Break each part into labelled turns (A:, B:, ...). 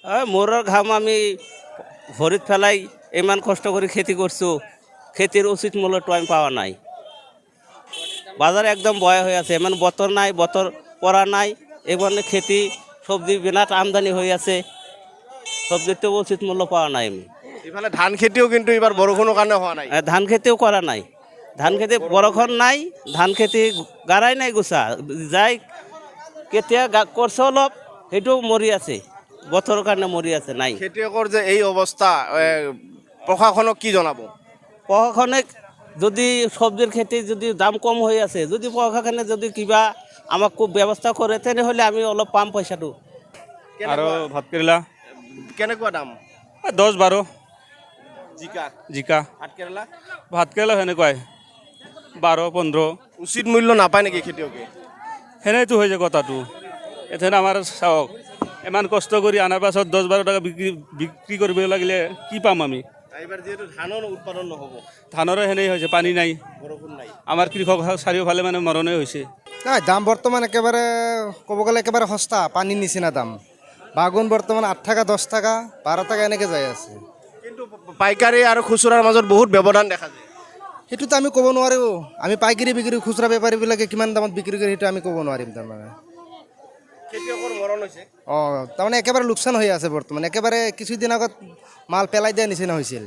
A: মোৰৰ ঘাম আমি ভৰিত পেলাই ইমান কষ্ট কৰি খেতি করছো, খেতির উচিত মূল্যটো আমি পাওয়া নাই। বাজার একদম বয়া হয়ে আছে, মানে বতর নাই, বতর পড়া নাই, এখানে খেতি সবজি বিরাট আমদানি হয়ে আছে, সবজির তো উচিত মূল্য পাওয়া নাই আমি।
B: ইফালে ধান খেতিও কিন্তু এবার বৰষুণৰ কাৰণে হোৱা নাই।
A: ধান খেতিও করা নাই, ধান খেতি বরক্ষণ নাই, ধান খেতি গাড়াই নাই গুছা যাই কেতিয়া করছে অলপ সেইটোও মৰি আছে, বতৰৰ কাৰণে মৰি আছে নাই।
B: খেতিয়কৰ যে এই অৱস্থা প্ৰশাসনক কি জনাব?
A: প্রশাসনে যদি সবজির খেতি যদি দাম কম হয়ে আছে, যদি প্রশাসনে যদি কিবা আমাক খুব ব্যবস্থা করে তেনেহলে আমি অলপ পাম পয়সাটো।
C: আৰু ভাত কেৰেলা
B: কেনেকুৱা দাম?
C: 10-12
B: জিকা,
C: জিকা
B: ভাত কেৰেলা
C: ভাত কেৰেলা সেনেকুৱাই 12-15
B: উচিত মূল্য নাপায় নেকি খেতিয়কে?
C: সেনেইতো হৈ যায় কথাটো। এথেন আমাৰ চাওক ইমান কষ্ট কৰি অনাৰ পাছত 10-12 টকা বিক্ৰী কৰিব লাগিলে কি পাম আমি?
B: এইবাৰ যিহেতু ধানৰ উৎপাদন নহ'ব,
C: ধানৰো সেনেই হৈছে, পানী নাই,
B: বৰষুণ নাই,
C: আমাৰ কৃষক চাৰিওফালে মানে মৰণেই হৈছে।
D: নাই, দাম বৰ্তমান একেবাৰে ক'ব গ'লে একেবাৰে সস্তা, পানীৰ নিচিনা দাম। বাগুন বৰ্তমান 8 টাকা, 10 টাকা, 12 টাকা এনেকৈ যাই আছে।
B: কিন্তু পাইকাৰী আৰু খুচুৰাৰ মাজত বহুত ব্যৱধান দেখা যায়।
D: সেইটোতো আমি ক'ব নোৱাৰোঁ, আমি পাইকাৰী বিক্ৰী, খুচুৰা বেপাৰীবিলাকে কিমান দামত বিক্ৰী কৰে সেইটো আমি ক'ব নোৱাৰিম তাৰমানে।
B: খেতিয়কৰ মৰণ হৈছে।
D: তাৰমানে একেবাৰে লোকচান হৈ আছে বৰ্তমান, একেবাৰে কিছুদিন আগত মাল পেলাই দিয়া নিচিনা হৈছিল।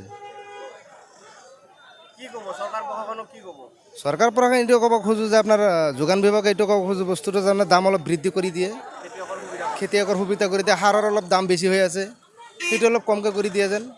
B: কি ক'ব চৰকাৰ প্ৰশাসনক, কি ক'ব?
D: চৰকাৰ পৰা এইটো ক'ব খোজোঁ যে আপোনাৰ যোগান বিভাগে এইটো ক'ব খোজোঁ বস্তুটো তাৰমানে দাম অলপ বৃদ্ধি কৰি দিয়ে, খেতিয়কৰ সুবিধা কৰি দিয়ে। সাৰৰ অলপ দাম বেছি হৈ আছে, সেইটো অলপ কমকৈ কৰি দিয়ে যেন।